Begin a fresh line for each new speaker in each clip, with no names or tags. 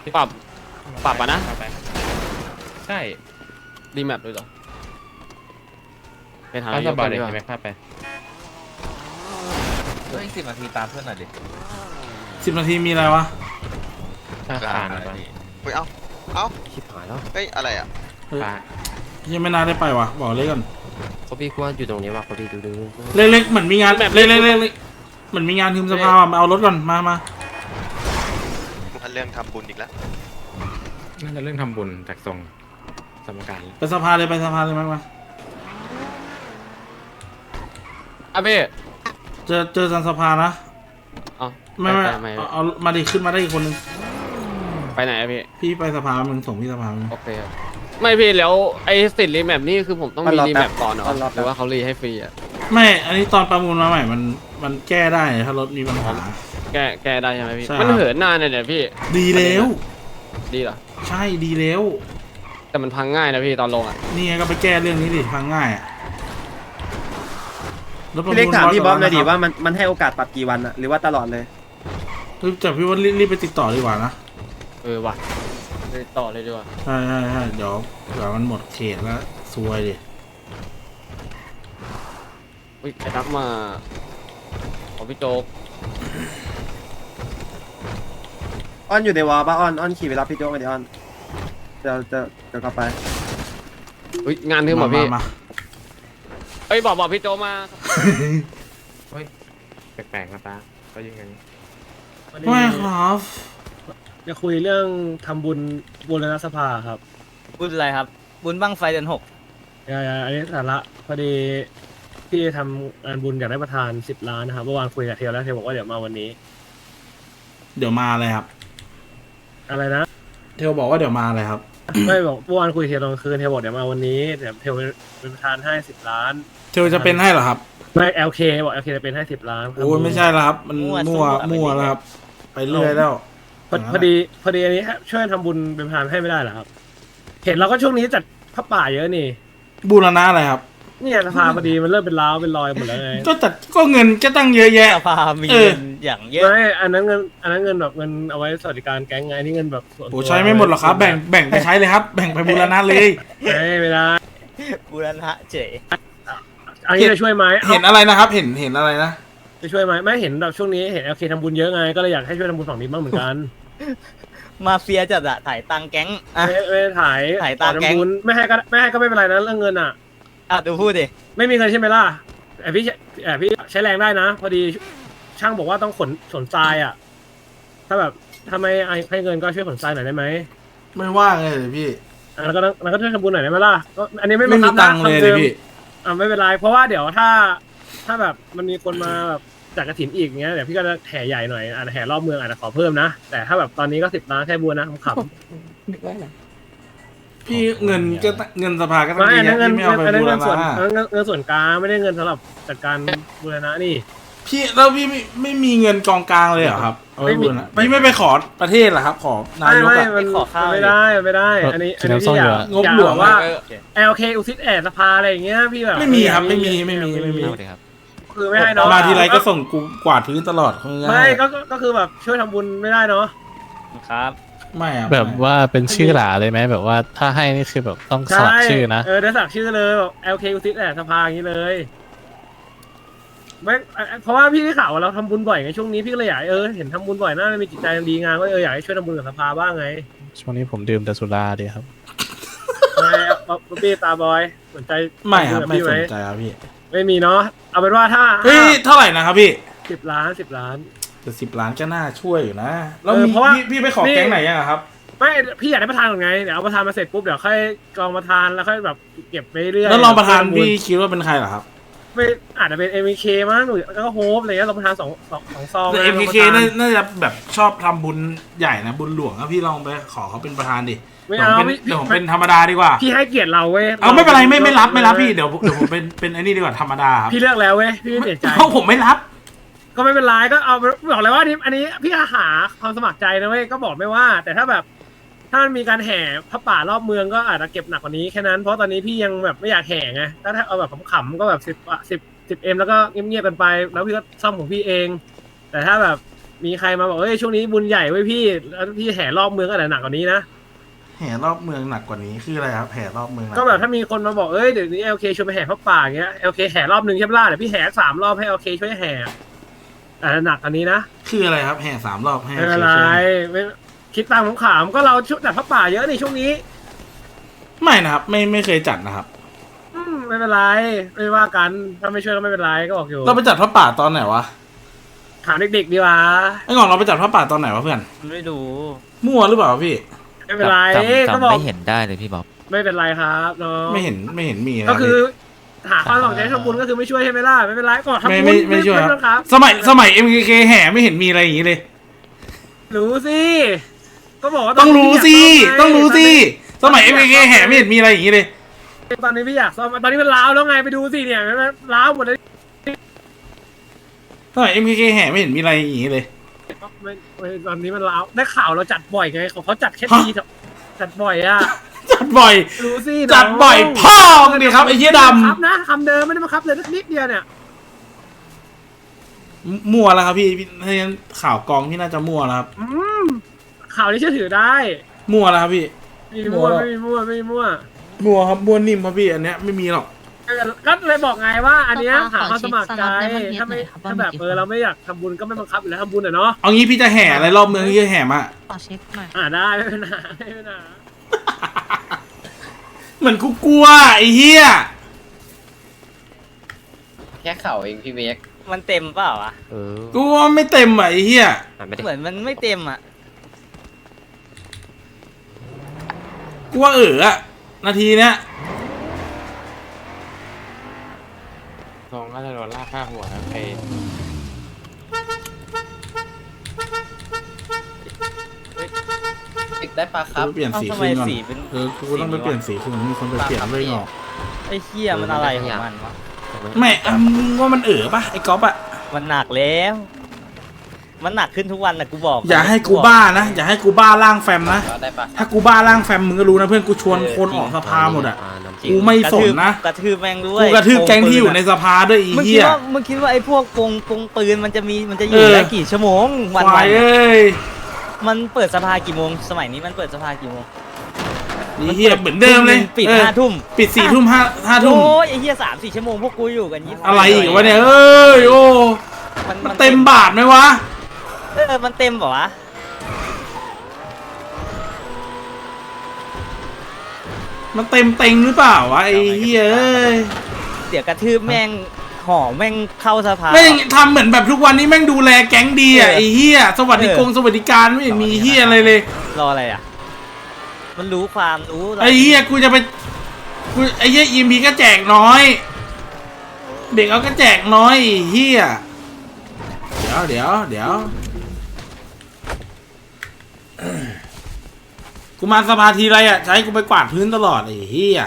ปรับปรับอ่ะนะ
ใช่
รีแมปด้วยเหรอไปหา
ข้า
นา
ส
ยก
บา
ก่
ย
อน
เล
ดี
ย
กว่า
ใช่ไหมข้าไป
เฮ้ย10 นาทีตามเพื่อนหน่อยดิ
10 นาทีมีอะไรวะ
ข้าผ่านไป
เฮ้ยเอ้า
ชิบหายแล้ว
เฮ้ยอะไรอ่ะ
ผ่าน
ยังไม่น่าได้ไปวะบอกเลยก่อน
เขาพี่กว่าอยู่ตรงนี้ว่ะเขาพี่ดู
เล็กๆเหมือนมีงานเล็กๆเหมือนมีงานทีมสภาว่ะมาเอารถก่อนมา
อันเรื่องทำบุญอีกแล้ว
น่าจะเรื่องทำบุญจากทรงสมการ
ไปสภาเลยมา
อ่ะพี่
เจอสันสภานะ
เอา
ไม่
ไม่
เอามาดิขึ้นมาได้อีกคนนึง
ไปไหนอะพี่
พี่ไปสภามึงส่งพี่สภามึง
โอเคครับไม่พี่แล้วไอ้สิทธิ์รีแมปนี่คือผมต้องมีรีแมปก่อนเหรอหรือว่าเขารีให้ฟรีอ่ะ
ไม่อันนี้ตอนประมูลมาใหม่มันแก้ได้ถ้ารถมีปัญหา
แกได้ใช่ไหมพี่
ใช่
มันเหินนานเนี่ยพี่
ดีแล้ว
ดีเหรอ
ใช่ดีแล้ว
แต่มันพังง่ายนะพี่ตอนลงอ่ะ
นี่ไงก็ไปแก้เรื่องนี้ดิฟังง่ายอ่ะรถประมู
พี่เล็กถามพี่บอสเลยดิ
100
ว่ามันให้โอกาสปรับกี่วันอะหรือว่าตลอดเลย
แต่พี่ว่ารีบไปติดต่อดีกว่านะ
ว่ะไปต่อเลยดีกว่า
ใช่เดี๋ยวมันหมดเขตแล้วซวยดิ
อุ้ยไอ้ทักมาขอพี่โจ๊ก
อ้อนอยู่ในวอลป่ะอ้อนขี่ไปรับพี่โจ๊กมาดิอ้อนจะกลับไป
อุ้ยงานทึมเหรอพี่
มา
เอ้ยบอกพี่โจ๊กมา
เฮ้ยแปลกๆนะตาก็ยังไง
ไม่ครับ
จะคุยเรื่องทำบุญบูรณสภาครับ
บุญอะไรครับ บุญบั้งไฟเดือน 6
อันนี้สาระพอดีพี่ทำงานบุญอยากได้ประธาน 10 ล้านนะครับเมื่อวานคุยกับเทลแล้วเทลบอกว่าเดี๋ยวมาวันนี้
เดี๋ยวมาเลยครับ
อะไรนะ
เทลบอกว่าเดี๋ยวมาเลยครับ
ไม่บอกเมื่อวานคุยกับเทลตอนกลางคืนเทลบอกเดี๋ยวมาวันนี้เดี๋ยวเทลเป็นประธานให้ 10 ล้าน
เทลจะเป็นให้เหรอครับ
ไม่ LK บอก LK จะเป็นให้ 10 ล้านครับ
โอ้ยไม่ใช่แล้วครับ มันมั่วแล้วครับ ไปเรื่อยแล้ว
พอดีอันนี้ช่วยทำบุญเป็นประธานให้ไม่ได้เหรอครับ เห็นเราก็ช่วงนี้จัดพระป่าเยอะนี่
บูรณะอะไรครับ
เนี่ยสภาพอดีมันเริ่มเป็นร้าวเป็นรอยหมดแล้วไง
ก็เงินก็ตั้งเยอะแยะ
สภามี
เออ
เงินอย่างเยอะ
ไม่อันนั้นเงินแบบเงินเอาไว้สวัสดิการแก๊งไงอันนี่เงินแบบส่วนตัว
โอ้ใช้ไม่หมดหรอกครับ แบ่งไปใช้เลยครับ แบ่งไปบูรณะเลย
ไม่ได้
บูรณะเฉย
อันนี้จะช่วยไหม
เห็นอะไรนะครับ เห็นอะไรนะ
จะช่วยไหมไม่เห็นแบบช่วงนี้เห็นLKทำบุญเยอะไงก็เลยอยากให้ช่วยทำบุญฝั่งนี้บ้างเหมือนกัน
มาเฟียจัดอะถ่ายตังค์แก๊งอ่ะ
ไม่ได้ถ่าย
ถ่ายตามแก๊ง
ทำบุญไม่ให้ก็ไม่เป็นไรนะเรื่องเงินอ่ะ
ดูพูดดิ
ไม่มีเงินใช่ไหมล่ะแต่พี่ใช้แรงได้นะ พอดีช่างบอกว่าต้องขนทรายอ่ะ ถ้าแบบถ้าไม่ให้เงินก็ช่วยขนทรายหน่อยได้ไหม
ไม่ว่างเลยพี่
แล้วก็ช่วยทำบุญหน่อยได้ไหมล่ะก็อันนี้ไม่
ไม่
บัง
มี
คับ
ตั
นะ
งค์เลย
ทำดิม
พี่
ไม่เป็นไรเพราะว่าเดี๋ยวถ้าแบบมันมีคนมาแบบจากกระถินอีกเงี้ยเดี๋ยวพี่ก็จะแห่ใหญ่หน่อยอาจจะแห่รอบเมืองอาจจะขอเพิ่มนะแต่ถ้าแบบตอนนี้ก็10 ล้านแค่บัวนะขำ
พี่เงินสภาก็
ๆ
ต้อง
ไม่
เย
อันนั้น
อะ
เงิน
ที่ไม่เอาไป
อันนั้น
บูร
เงินส่วน
ณะ
อันนั้นเงินส่วนกลางไม่ได้เงินสำหรับจัดการบูรณะนี่
พี่แล้วพี่ไม่มีเงินกองกลางเลยเหรอครับเอาไปบูรณะพี่ไม่ไปขอประเทศเหรอครับ ขอนายก
ไม่
อะ
มัน
ขอข้าว
ไม่ได้อันนี้พี่อยาก
งบหลวง
ว่า
เออ
LK อุทิศแอดสภาอะไรอย่างเงี้ยพี่แบบ
ไม่มีครับไม่มี
คือไม่ให้เนาะ
มาทีไรก็ส่งกูกวาดพื้นตลอดเขาง่าย
ไม่ก็คือแบบช่วยทำบุญไม่ได้เนาะ
ครับ
ไม่อะ
แบบว่าเป็นชื่อหลาเลยไหมแบบว่าถ้าให้นี่คือแบบต้องสลักชื่อนะ
ได้สักชื่อเลยแบบ LK อุทิศแอดสภาอย่างนี้เลยไม่เพราะว่าพี่ได้ข่าวว่าเราทำบุญบ่อยไงช่วงนี้พี่ก็เลยอยากเห็นทำบุญบ่อยน่าจะมีจิตใจดีงามก็อยากให้ช่วยทำบุญกับสภาบ้างไง
ช่วงนี้ผมดื่มแต่สุราดีครับ
ไม่พี่ตาบอยสนใจ
ไม่ครับ
ทำ
ไม่
ญกับ
ส
พี่
นใจครับพี่
ไม่มีเนาะเอาเป็นว่าถ้า
เฮ้ยเท่าไหร่นะครับพี่
10 ล้าน
แต่10 ล้านก็น่าช่วยอยู่นะแล้ว
เพราะว่า
พี่ไปขอแก๊งไหนยังอะครับ
ไม่พี่อยากได้ประธานก่อนไงเดี๋ยวเอาประธานมาเสร็จปุ๊บเดี๋ยวค่อยกองประธานแล้วค่อยแบบเก็บไปเรื่อย
แล้วรองประธานพี่คิดว่าเป็นใครเหรอครับ
ไม่อาจจะเป็น MK มั้งหรือแล้วก็โฮปอะไรเงี้ยรองประธานสองซอง
แต่
นะ
MKK
รองประธาน
น่าจะแบบชอบทำบุญใหญ่นะบุญหลวงอะพี่ลองไปขอเขาเป็นประธานดิ
ไม่
เดี๋ยว
เอา
ผมเป็นเดี๋ยวผมเป็นธรรมดาดีกว่า
พี่ให้เกียรติเราเว้ย
เอาไม่เป็นไรไม่รับพี่เดี๋ยวผมเป็นไอ้นี่ดีกว่าธรรมดาครับ
พี่เลือกแล้วเว้ยพี่ไม่เปลี่ยนใจ
เพราะผมไม่รับ
ก็ไม่เป็นไรก็เอาบอกเลยว่าอันนี้พี่หาความสมัครใจนะเว้ยก็บอกไม่ว่า แต่ถ้าแบบถ้ามันมีการแห่พระป่ารอบเมืองก็อาจจะเก็บหนักกว่านี้แค่นั้นเพราะตอนนี้พี่ยังแบบไม่อยากแห่ไงถ้าเอาแบบขำๆก็แบบ10M แล้วก็เงียบๆกันไปแล้วพี่ก็ซ่อมของพี่เอง แต่ถ้าแบบมีใครมาบอกเอ้ยช่วงนี้บุญใหญ่ไว้ยพี่แล้วพี่แห่รอบเมืองก็หนักกว่านี้นะ
แห่รอบเมืองหนักกว่านี้คืออะไรครับแห่รอบเมืองหนั
ก็แบบถ้ามีคนมาบอกเอ้ยเดี๋ยวนี้LKชวนไปแห่พระป่าอย่างเงี้ยLKแห่รอบนึงใช่ไหมล่ะเดี๋ยวพี่แห่3 รอบให้LKช่วยแห่แต่หนักอันนี้นะ
คืออะไรครับแห่3 รอบให้
ไม่เป็นไรไม่คิดตามขำๆก็เราชุดแต่พระป่าเยอะในช่วงนี้
ไม่นะครับไม่เคยจัดนะครับ
ไม่เป็นไรไม่ว่ากันถ้าไม่ช่วยก็ไม่เป็นไรก็บอกอยู่
เราไปจัดพระป่าตอนไหนวะ
ถามเด็กๆดีกว่า
ไอ้ก่อนเราไปจัดพระป่าตอนไหนวะเพื่อน
ไม่รู้
มั่วหรือเปล่าพี่
ไม่เป็นไร
จำ
ก็บอก
ไม่เห็นได้เลยพี่บ๊อบ
ไม่เป็นไรครับน้อง
ไม่เห็นมีนะ
ก็คือ
พี่
หาความสนใจทำบุญก็คือไม่ช่วยใช่ไหมล่ะไม่เป็นไรก็ทำบุญ
ไม่ช่วย
ต้อง
ครับสมัย MKK แห่ไม่เห็นมีอะไรอย่างนี้เลย
รู้สิก็บอกว่า
ต้องรู้สิ
พี่ยาก
ต้องรู้สิ
ซ่อมไง
สมัย MKK แห่ไม่เห็นมีอะไรอย่างนี้เลย
ตอนนี้พี่อยากซ่อมตอนนี้มันล้าวแล้วไงไปดูสิเนี่ยมันล้าวหมดเลย
สมัย MKK แห่ไม่เห็นมีอะไรอย่างนี้เลย
ไม่ตอนนี้มันล้าวได้ข่าวเราจัดบ่อยไงเขาจัดแค่ทีจัดบ่อยอะ
จัดบ่อย
รู้สิ
จัดบ่อยพ่อกันดิครับไอ้เหี้ยด
ครับนะคำเดิมไม่ได้มาครับเลยนิดเดียวเนี่ย
ำมั่วแล้วครับพี่ถ้างั้นข่าวกองพี่น่าจะมั่วแล้วครับ
ข่าวนี้เชื่อถือได้
มั่วแล้วครับพี่
ไม่มีมั่วไม่มีมั่วไม่มีมั่ว
มั่วครับมั่วนิ่มครับพี่อันเนี้ยไม่มีหรอก
ก็เลยบอกไงว่า อันเนี้ย
ขอ
หาความสมัครใจ
ขอเช็คสล็อตใน
ถ้าไม่
วันนี้หน่อยครับ
ถ้าแบบเราไม่อยากทำบุญก็ไม่บังคับอยู่แล้วทำบุญอ่ะเนาะ
เอางี้พี่จะแห่อะไรรอบเมืองพี่จะแห่มา
ขอเช็คหน่อย
ได้ไม่เป็นไรไม่เป็นไร
เหมือนกูกลัวไอ้เหี้ย
แค่เข่าเองพี่เวก
มันเต็มเปล่าวะ
กูว่าไม่เต็มอ่ะไอ้เหี้ย
เหมือนมันไม่เต็มอ่ะ
กูว่าอะนาทีเนี้ย
ทองก็จะโดนลากค่าหัวครับไอ้
ติดได้ปะครับ
กูเปลี่ยนสี
ทำ
คื
ไม
นก่อน
สีเป็น
กูต้องไปเปลี่ยนสีคืนมีคนไปเปลี่ยนด้วยหรอก
ไอ้เหี้ยมันอะไรของมันวะ
ไม่มึงว่ามันปะไอ้ก๊อฟอะ
มันหนักแล้ว มันหนักขึ้นทุกวันนะกูบอก
อย่าให้กูบ้านะอย่าให้กูบ้าร่างแฟมนะ
ได้ปะ
ถ้ากูบ้าร่างแฟมมึงก็รู้นะเพื่อนกูชวนคนออกสภาหมดอะกูไม่สนนะ
กระทืบแม่งด้วย
กูกระทืบแก๊งที่อยู่ในสภาด้วยอี
มึงคิ
เหี้
ด
ย
ว่ามึงคิดว่าไอ้พวกปงปืนมันจะอยู่ได้กี่ชั่วโมงวัน
ควายเอ้ย
มันเปิดสภากี่โมงสมัยนี้มันเปิดสภากี่โมง
อีเหี้ยเหมือนเดิมเลย
ปิด
เออ
5 ทุ่ม
ปิด4 ทุ่ม5 ทุ่ม
โอ้ยไอ้เหี้ย3-4 ชั่วโมงพวกกูอยู่กัน20
อะไรอีกวะเนี่ยเอ้ยโอ้มันเต็มบาทไหมวะ
มันเต็มเปล่าวะ
มันเต็มเต็งหรือเปล่าวะไอ้เหี้ยเอ้ย
เดี๋ยวกระทืบแม่งห่อแม่งเข้าสภา
แม่งทำเหมือนแบบทุกวันนี้แม่งดูแลแก๊งดีอ่ะไอ้เหี้ยสวัสดิการไม่เห็นมีเหี้ยอะไรเลย
รออะไรอ่ะ มันรู้ความรู้
ไอ้เหี้ยกูจะไปไอ้เหี้ยอีมีก็แจกน้อย เด็กเอาก็แจกน้อยไอ้เหี้ยเดี๋ยวกูมาสภาทีไรอ่ะจะให้กูไปกวาดพื้นตลอดไอ้เหี้ย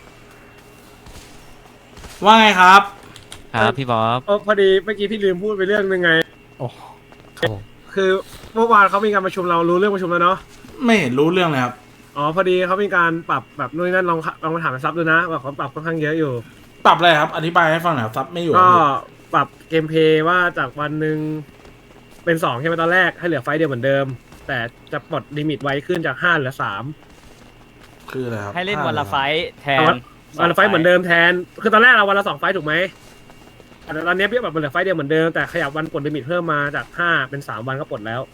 ว่าไงครับ
ครับพี่บ๊อบ
พอดีเมื่อกี้พี่ลืมพูดไปเรื่องนึงไง
โอ้ครับผม
คือเมื่อวานเขามีการประชุมเรารู้เรื่องประชุมแล้วเนาะ
ไม่เห็นรู้เรื่องเลยครับ
อ๋อพอดีเขามีการปรับแบบนู่นนนั่นลองมาถามไปซับดูนะว่าเขาปรับค่อนข้างเยอะอยู่
ปรับอะไรครับอธิบายให้ฟังหน่อยครับซับไม่อยู่
ก็ปรับเกมเพลย์ว่าจากวันหนึ่งเป็น2ใช่ไหมตอนแรกให้เหลือไฟต์เดียวเหมือนเดิม แต่จะปลดลิมิตไว้ขึ้นจาก5เหลือ3
คืออะไรครับ
ให้เล่นวันละไฟท์แทน
วันละไฟต์เหมือนเดิมแทนคือตอนแรกเราวันละ2ไฟต์ถูกไหมแต่ตอนนี้พี่แบบมันเหลือไฟต์เดียวเหมือนเดิมแต่ขยับวันปลดลิมิตเพิ่มมาจาก5เป็น3วันก็ปลดแล้ว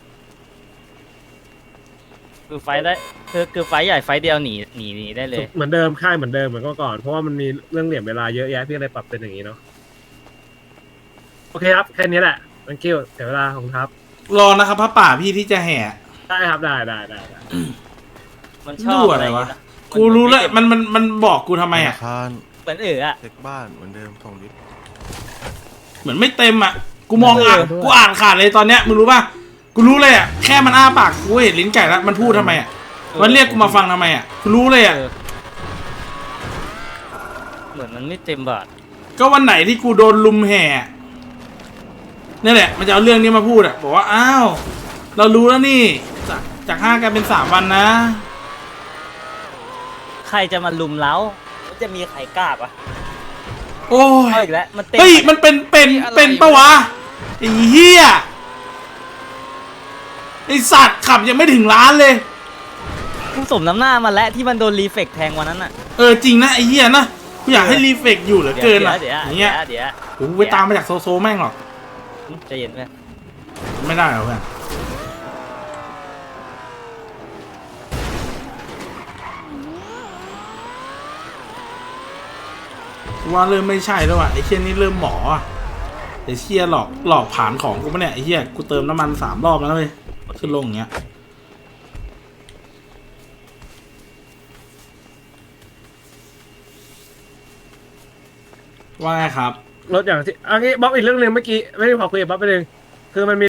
คือไฟท์ได้คือไฟท์ใหญ่ไฟท์เดียวหนีได้เลย
เหมือนเดิมค่ายเหมือนเดิมเหมือนก่อนเพราะว่ามันมีเรื่องเหลี่ยมเวลาเยอะแยะพี่เลยปรับเป็นอย่างนี้เนาะโอเคครับแค่นี้แหละthank youเสียเวลาของครับ
รอนะครับพระป่าพี่ที่จะแห่
ได้ครับได้
มันชอบ
ดูอะไรวะ กูรู้แล้วมันบอกกูทำไมอ่ะ
คาน
เหมือนอะ
เช็คบ้านเหมือนเดิมทองลิฟต์
เหมือนไม่เต็มอ่ะกูมองกูอ่านขาดเลยตอนเนี้ยมึงรู้ป่ะกูรู้เลยอ่ะแค่มันอ้าปากกูเห็นลิ้นไก่แล้วมันพูดทำไมอ่ะมันเรียกกูมาฟังทำไมอ่ะกูรู้เลยอ่ะ
เหมือนมันไม่เต็มบาท
ก็วันไหนที่กูโดนลุมแห่นี่แหละมันจะเอาเรื่องนี้มาพูดอ่ะบอกว่าอ้าวเรารู้แล้วนี่จาก5กลายเป็น3 วันนะ
ใครจะมาลุมเล้ามันจะมีใครกล้าปะ
โอ้ย
เอาอีกแล้วมันเต็ม
เฮ้ยมันเป็นปะวะไอ้เหี้ยไอสัตว์ขับยังไม่ถึงร้านเลย
กูสมน้ำหน้ามาแล้วที่มันโดนรีเฟกแทงวันนั้นอ่ะ
จริงนะไอ้เหี้ยนะกูอยากให้รีเฟกอยู่เหลือเกินอ่ะ
เดี๋ยว
อย่างเงี้ย
เดี๋ยว
กูไปตามมาจากโซแม่งหรอก
ใจเย็นไหม
ไม่ได้หรอกเพื่อนว่าเริ่มไม่ใช่แล้วอ่ะไอ้เชี่ยนี่เริ่มหมออ่ะไอ้เชี่ยหลอกผ่านของกูปะเนี่ยไอ้เชี่ยกูเติมน้ำมัน3 รอบแล้วเว้ยขึ้นลงอย่างเงี้ยว่าไงครับ
รถอย่างที่อันนี้บ๊อบอีกเรื่องหนึ่งเมื่อกี้ไม่ได้พอคุยกับบ๊อบไปหนึ่งคือมันมี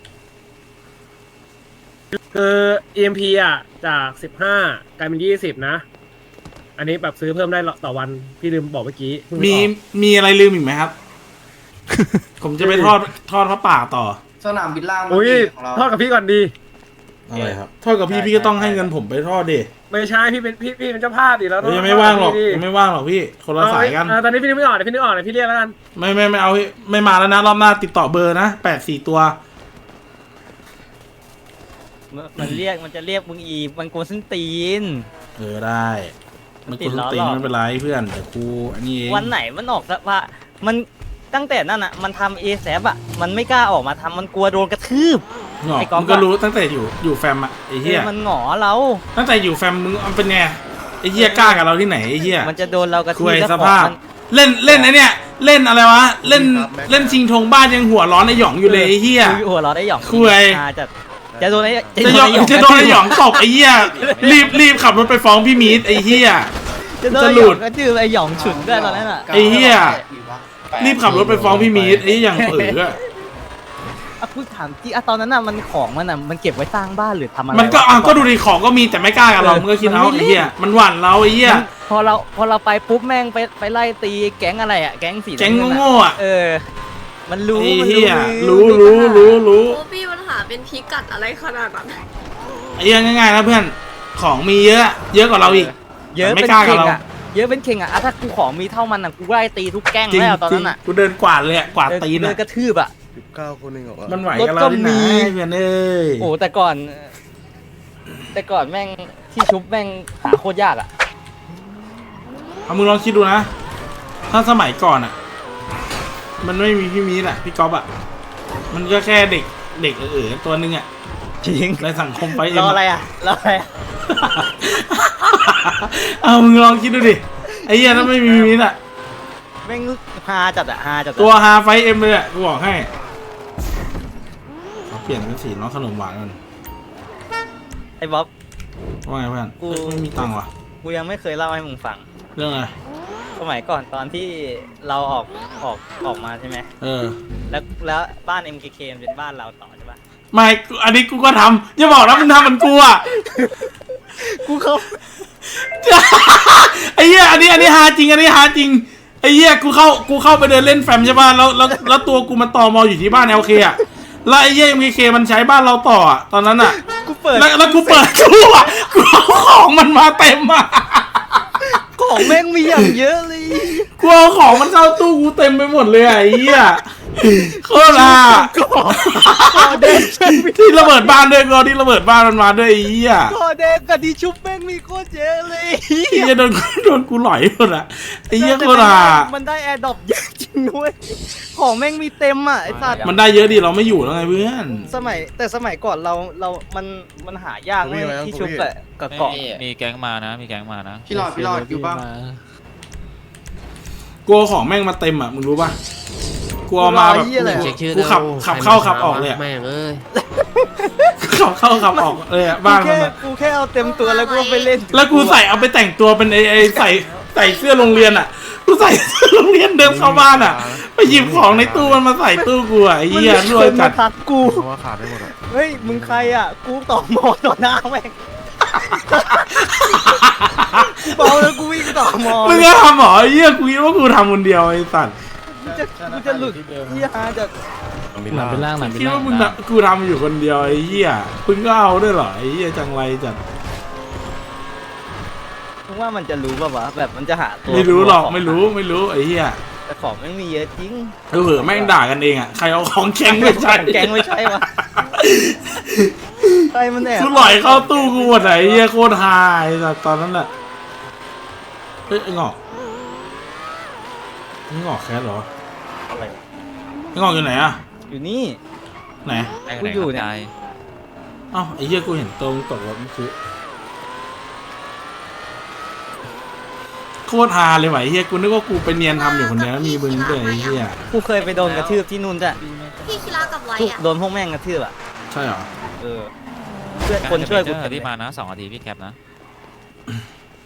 คือ EMP อ่ะจาก15กลายเป็น20นะอันนี้แบบซื้อเพิ่มได้ต่อวันพี่ลืมบอกเมื่อกี้เพิ่ง
มี
ออก
มีอะไรลืมอีกไหมครับ ผมจะไปทอดพระป่าต่อ
สนามบินล่าง
อุ้ย
ของเรา
ทอดกับพี่ก่อนดี
อะไรครับทอดกับพี่ก็ต้องให้เงินผมไปทอดดิ
ไม่ใช่พี่เป็นเจ้าภาพดิแล้ว
ยังไม่ว่างหรอกยังไม่ว่างหรอกพี่คนละสายกัน
ตอนนี้พี่นึกไม่ออกเดี๋ยวพี่นึกออกเดี๋ยวพี่เรียกแล้วกัน
ไม่เอาไม่มาแล้วนะรอบหน้าติดต่อเบอร์นะ84 ตัว
มันจะเรียกมึงอีกมันโกนส้นตีน
ได้มันคุณตีนไม่เป็นไรเพื่อนแต่กูอันนี้เอง
วันไหนมันออกสภามันตั้งแต่นั้นอ่ะมันทำเอแซบอ่ะมันไม่กล้าออกมาทำมันกลัวโดนกระทืบ
หงอก
ไอ้ก๊อฟ
มึงก็รู้ตั้งแต่อยู่แฟมอะไอ้เหี้ย
มันหงอเรา
ตั้งแต่อยู่แฟมมึงเป็นไงไอ้เหี้ยกล้ากับเราที่ไหนไอ้เหี้ย
มันจะโดนเรากระทื
คุ
บ
ย
แล้ว
ส
ของ
ภาพ
มัน
เล่นไอ้เนี่ยเล่นอะไรวะเล่นชิงธงบ้านยังหัวร้อนไอ้หยองอยู่เลยไอ้เหี้ย
หัวเราะได้หยอง
คุย
จะโดนไอ้
จะโดนไอ้หยองตบไอ้เหี้ยรีบขับรถไปฟ้องพี่มีดไอ้เหี้ย
จะโดน
จะ
ไอ้
ห
ห
ลุ
ยอ
ด
งก็จือไอ้หยองฉุนด้วยตอนนั้นอ่ะ
ไอ้เหี้ยรีบขับรถไปฟ้องพี่มีดไอ้อย่างเอ๋อ
อ่ะพูดถามจริงอ่ะตอนนั้นอ่ะมันของมันอ่ะมันเก็บไว้สร้างบ้านหรือทำอะไร
มันก็ก็ดูดิของก็มีแต่ไม่กล้ากับเรามึงก็คิดเอาไอ้เหี้ยมันหวั่นเราไอ้เหี้ย
พอเราไปปุ๊บแม่งไปไล่ตีแก๊งอะไรอ่ะแก๊งสี
แก๊ง
น้ำเน
โง่ๆอ่ะ
มันรู้
ไอ้
มัน
เหี้ย
รู้
รู้
โอ้พี่ปัญหาเป็นพิกัดอะไรขนาดนั้น
ไอ้เหี้ยง่ายๆนะเพื่อนของมีเยอะกว่าเราอีก
เยอะ
ไม่
เป็น
กล้ากับ
เข่ง
เรา
อ่ะเยอะเป็นเข่งอ่ะถ้ากูของมีเท่ามันอ่ะกูไล่ตีทุกแก๊ง
จริง
แล้วตอนนั้นอ่ะ
กูเดินกวาดเลยอะกวาดตีน
เดิ
อะ
นกระทืบอ่ะ
19 คนเองเหรอวะ
มันไหว
รถ
กับเรา
ก็
ที่ไหน
มี
เพื่อนเอ้ย
โอ้แต่ก่อนแม่งที่ชุบแม่งหาโคตรยากอ่ะ
เอามึงลองคิดดูนะถ้าสมัยก่อนอะมันไม่มีพี่มีดอะพี่ก๊อฟอะมันก็แค่เด็กตัวนึงอะ
จริง
ในสังคมไป
รออะไรอ่ะรออะไรอ่ะ
เอามึงลองคิดดูดิไอ้เหี้ยถ้าไม่มีพี่มีดอะ
แม่งฮาจัดอะฮาจัดอะ
ตัวฮาไฟเอ็มเลยอะกูบอกให้เอาเปลี่ยนเป็นสีน้องขนมหวานกัน
ไอ้บ๊อบ
ว่าไงเพื่อน
กู
ไม่มีตังค์วะ
กูยังไม่เคยเล่าให้มึงฟัง
เรื่องอะไร
สมัยก่อนตอนที่เราออกมาใช่ไหม แล้วบ้าน MKK มันเป็นบ้านเราต่อใช่ปะ
ไม่อันนี้กูก็ทำอย่าบอกนะมึงทำเหมือนกูอะ
กูเขา
ไอ้เหี้ยอันนี้ฮาจริงไอ้เหี้ยกูเข้าไปเดินเล่นแฟมใช่ป่ะแล้วตัวกูมันต่อมออยู่ที่บ้าน LK อ่ะแล้วไอ้เหี้ย MKK มันใช้บ้านเราต่ออ่ะตอนนั้นอ่ะ
กูเปิด
แล้วกูเปิดตู้อ่ะกูเอาของมันมาเต็มอ่ะ
ของแม่งมีอย่างเยอะเลย
กูเอาของมันเข้าตู้กูเต็มไปหมดเลยอ่ะไอ้เหี้ยโคตรอ่ะที่ระเบิดบ้านด้วยก็ที่ระเบิดบ้านมันมาด้วยไอ้เหี้ย
ก็เด็กกับที่ชุบแม่งมีโคตรเยอะเลย
ไอ้เหี้ยโดนกูหลอยหมดอ่ะไอ้เหี้ยโคตรอ่ะ
มันได้แอร์ดรอปเยอะจริงด้วยของแม่งมีเต็มอ่ะไอ้สัตว์
มันได้เยอะดิเราไม่อยู่แล้วไงเพื่อน
สมัยก่อนมันหายากไหมที่ชุบกับเกาะ
มีแก๊งมานะ มีแก๊งมานะ
พี่หลอดอยู่ป่ะ
กลัวของแม่งมาเต็มอ่ะมึงรู้ป่ะกลัวมาแบบกูขับเข้าขับออกเลยอ่ะ
แม่งเอ้ย
ขับเข้าขับออกเลยอ่ะบ้านมันอะ
กูแค่เอาเต็มตัวแล้วกูไปเล่น
แล้วกูเอาไปแต่งตัวเป็นไอใส่เสื้อโรงเรียนอ่ะกูใส่เสื้อโรงเรียนเดินเข้าบ้านอ่ะไปหยิบของในตู้มันมาใส่ตู้กูอ่ะไอ้เหี้ยรวยจัด
ทักกู
เพราะว่าขาดได้หมดอะ
เฮ้ยมึงใครอ่ะกูต่อมอต่อหน้าแม่งเบาแล้วกูวิ่งต่อมอ
มึงก็ทำเหรอไอ้เหี้ยกูคิดว่ากูทำคนเดียวไอ้สัตว์
กูจะหลุดเหี้ยจะ
หนังเป็นร่างหนังเป็น
คิด
ร่าง
ว่ามึงน่ะกูทำอยู่คนเดียวไอ้เหี้ยมึงก็เอาด้วยเหรอไอ้เหี้ยจังไรจัด
มึงว่ามันจะรู้ป่ะวะแบบมันจะหาตัว
ไม่รู้หรอกไม่รู้ไอ้เหี้ย
แต่ของไม่มีเยอะจริง
เผลอแม่งด่ากันเองอ่ะใครเอาของแข็งไปใช้
แกงไม่ใช่วะใครมันแอบ
กูหลอยเข้าตู้กูหมดไหนเฮียโคตรฮาไอ้สัสตอนนั้นแหละเฮ้ยไอ้งอกแคสเหรอ
อะไร
ไอ้งอกอยู่ไหนอะ
อยู่นี่
ไหน
กูอยู่เนี่ย
เอ้าไอ้เฮียกูเห็นตรงตกรถเมื่อกี้โคตรฮาเลยว่ะไอ้เฮียกูนึกว่ากูไปเนียนทำอยู่คนเดียวแล้วมีมึงด้วยไอ้เฮีย
กูเคยไปโดนกระทืบที่นู่นจ้ะ
พี่คิระกับไว้
ทุก
อะ
โดนพวกแม่งกระทืบอ่ะ
ใช่เหรอ
เออเพื่อนคนช่วยกู
ที่มานะ2 นาทีพี่แคปนะ